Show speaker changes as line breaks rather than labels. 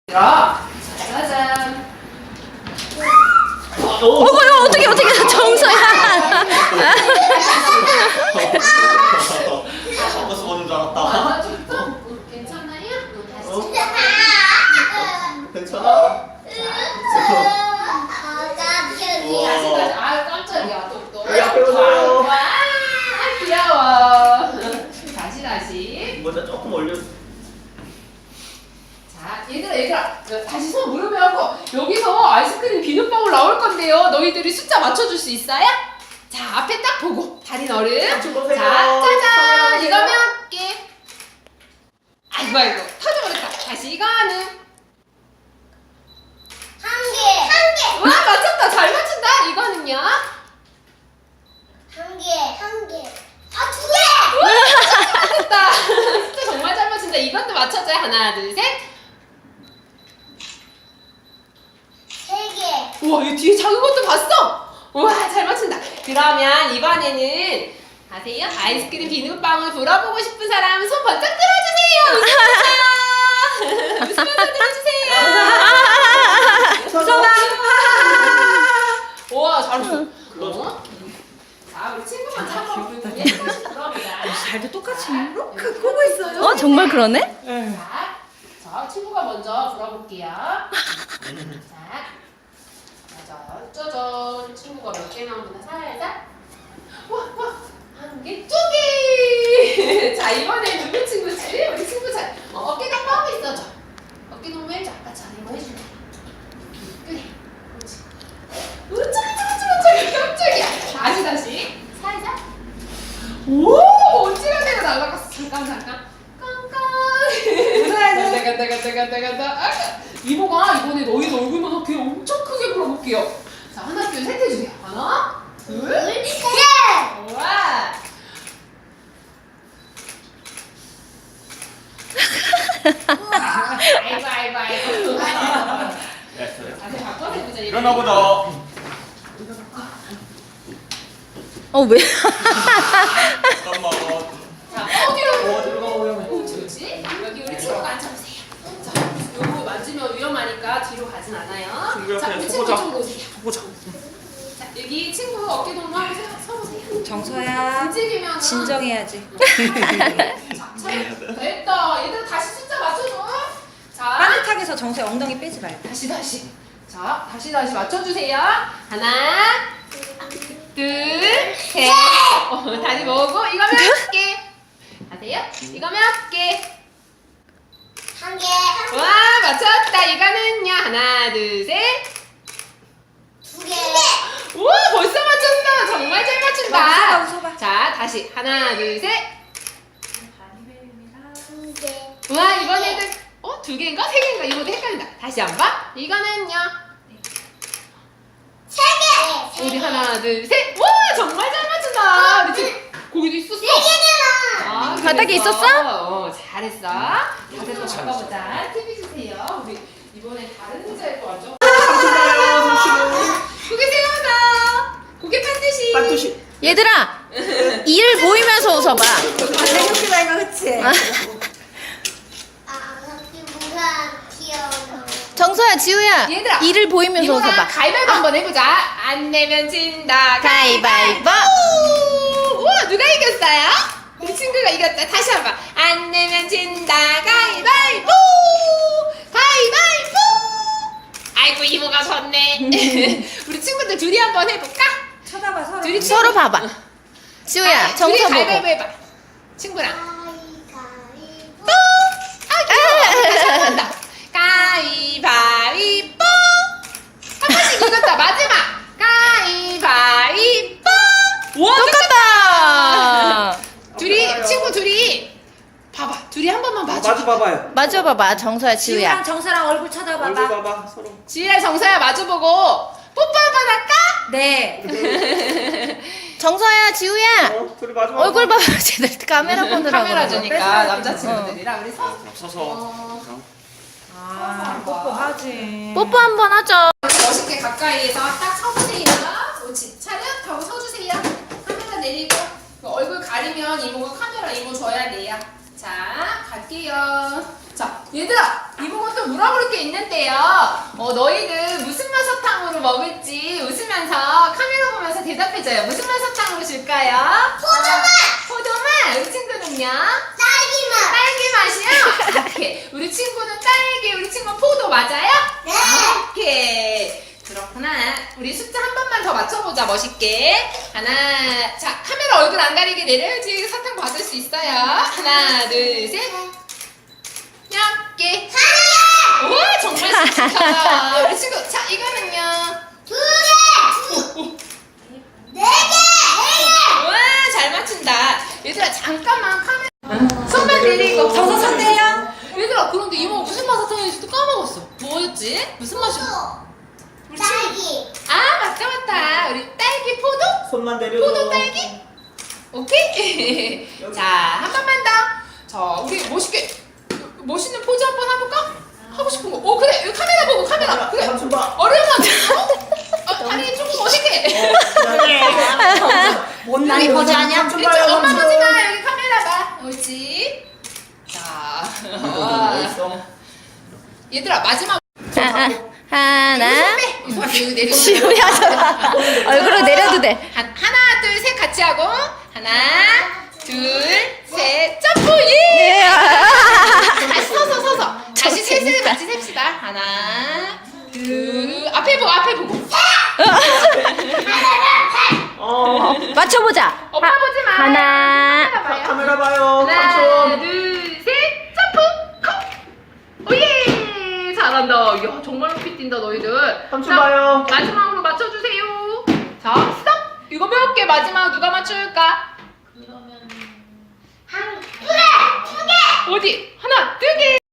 짜잔.
어떻게 정서야.
버스 오는 줄 알았다.
괜찮아요?
괜찮아?
아 깜짝이야 또.
여기 앞에 오세요.
와 귀여워. 다시.
먼저 조금 올려.
자 얘들아 다시 손 무릎에 하고 여기서 아이스크림 비눗방울 나올 건데요. 너희들이 숫자 맞춰줄 수 있어요? 자 앞에 딱 보고 다리 너름. 자 짜잔 이거 몇 개? 아이고 터져버렸다. 다시 이거는 와 맞췄다. 잘 맞춘다. 이거는요? 맞췄다. 진짜 정말 잘 맞춘다. 이것도 맞춰줘요. 하나 둘 셋. 우와 이 뒤에 작은 것도 봤어? 우와 잘 맞춘다. 그러면 이번에는 아세요? 아이스크림 비눗방울 불어보고 싶은 사람 손 번쩍 들어주세요. 웃으면서 들어주세요.
무서워.
우와 잘했어. 자 우리 친구 먼저 한번 불러보자.
잘도 똑같이 이렇게 끄고 있어요. 정말 그러네?
자 친구가 먼저 불어볼게요. 자 짜잔 친구가 몇 개 나오나 살짝 한 개, 두 개. 자 이번에 누구 친구지? 우리 친구 잘 어깨가 뻗고 있어줘. 어깨 너무 해줘. 아까처럼 이거 해줄게. 그래 그렇지. 깜짝이야. 다시 살짝. 오 어찌간데가 날아갔어. 잠깐 간다. 이모가 이번에 너희 얼굴만 걔 엄청 크게 불어볼게요. 자 하나 둘 셋 해주세요. 하나 둘 우와. 아이고. 자세 바꿔서 해보자.
일어나 보자.
왜?
잠깐만.
자 어디로?
들어가 보면.
그렇지. 여기 우리 친구가 앉아보세요. 자 요거 만지면 위험하니까 뒤로 가진 않아요.
친구
자
옆에
우리 친구
서보자.
좀 오세요.
보자.
자 여기 친구 어깨 동무하고 서보세요.
정서야.
움직이면
진정해야지.
자 됐다. 얘들 다시 숫자 맞춰줘. 자
빠듯하게서 정서야 엉덩이 빼지 말고.
다시. 자 다시 맞춰주세요. 하나 둘 셋. 다시 모으고 이거 몇 개? 아세요? 이거 몇 개? 와 맞췄다. 이거는요 하나 둘 셋. 우와 벌써 맞췄어. 정말 잘 맞춘다.
웃어봐.
자 다시 하나 둘 셋. 와 이번에는 두 개인가 세 개인가 이모도 헷갈린다. 다시 한번. 이거는요. 우리 하나 둘 셋. 와 정말 잘 맞춘다. 우리 지금 고기도 있었어. 아,
바닥에
그랬어?
있었어?
잘했어. 자세 또 바꿔보자. TV 주세요. 우리 이번에 다른 의자에 또 앉아. 고개 세워서 고개 반드시.
반드시.
얘들아, 이를 보이면서 웃어봐.
생각지 말고 그치?
정서야, 지우야,
얘들아,
이를 보이면서
이모랑
웃어봐.
가위바위보 한번 해보자. 안 내면 진다.
가위바위보.
우와 누가 이겼어요? 우리 친구가 이겼다. 다시 한번. 안 내면 진다. 가위바위보. 가위바위보. 아이고 이모가 졌네. 우리 친구들 둘이 한번 해볼까?
쳐다봐 서로.
둘이
서로 봐봐. 지우야,
둘이
정서 보고.
가위바위보 해봐. 친구랑. 다시 한번더 가위바위보. 한 번씩 이겼다. 마지막. 가위바위보. 와
똑같다.
둘이 친구 둘이 봐봐. 둘이 한 번만 봐줘.
마주 봐봐요.
마주 봐봐, 정서야,
지우랑
지우야.
정서랑 얼굴
얼굴
쳐다봐봐.
봐봐 서로.
지희랑 정서야 마주보고 뽀뽀 한번 할까?
네.
정서야, 지우야.
둘이 마주 봐봐.
얼굴 봐봐. 쟤들 카메라 보느라고.
카메라
그러고.
주니까 남자친구들이랑 우리
서서.
아, 뽀뽀하지.
뽀뽀 한번 하자.
멋있게 가까이에서 딱 서보세요. 옳지. 차렷하고 서주세요. 카메라 내리고 얼굴 가리면 이모가 카메라 이모 줘야 돼요. 자 갈게요. 자 얘들아 이모가 또 물어볼 게 있는데요. 너희들 무슨 맛 사탕으로 먹을지 웃으면서 카메라 보면서 대답해줘요. 무슨 맛 사탕으로 줄까요?
포도맛!
포도맛! 우리 친구는요?
딸기맛!
딸기 맛이요? 오케이. 우리 친구는 딸기, 우리 친구는 포도 맞아요?
네!
오케이. 그렇구나. 우리 숫자 한 번만 더 맞춰보자, 멋있게. 하나, 자, 카메라 얼굴 안 가리게 내려야지 사탕 받을 수 있어요. 하나, 둘, 셋. 몇 개?
하나!
우와, 정말 씩씩하다. 우리 친구, 자, 이거는요.
2개! 4개!
우와, 잘 맞춘다. 얘들아, 잠깐만 카메라. 손만 내리고.
정서 선대요?
얘들아, 그런데 이모 무슨 맛 사탕인지도 까먹었어. 뭐였지? 무슨 맛이? 우리 친구.
딸기!
아, 맞다. 우리 딸기 포도?
손만 내려.
포도 딸기? 오케이? 자, 한 번만 더. 자, 우리 멋있는 포즈 한 번 해볼까? 하고 싶은 거. 그래. 여기 카메라 보고, 카메라. 그래.
삼촌 봐.
어려운 다리 조금 멋있게.
못난이 포즈 아니야?
삼촌
이쪽
봐요,
엄마
삼촌.
보지 마. 여기 카메라 봐. 옳지. 자.
멋있어.
얘들아, 마지막.
하나.
손 여기 내리고.
시우야, 얼굴로 내려도 돼.
하나, 둘, 셋 같이 하고. 하나, 둘, 셋. 점프! 예! 다시 서서. 다시 셋을 같이 셉시다. 하나, 둘. 앞에 보고.
맞춰보자.
오빠 보지 마.
하나.
카메라 봐요.
카메라 봐요.
하나,
삼촌.
둘, 셋, 점프! 콕! 오예! 잘한다. 야, 정말 높이 뛴다, 너희들.
삼촌 봐요.
마지막으로 맞춰주세요. 자, 스톱! 이거 몇 개 마지막 누가 맞출까?
한 2개! 2개!
어디? 하나, 두 개!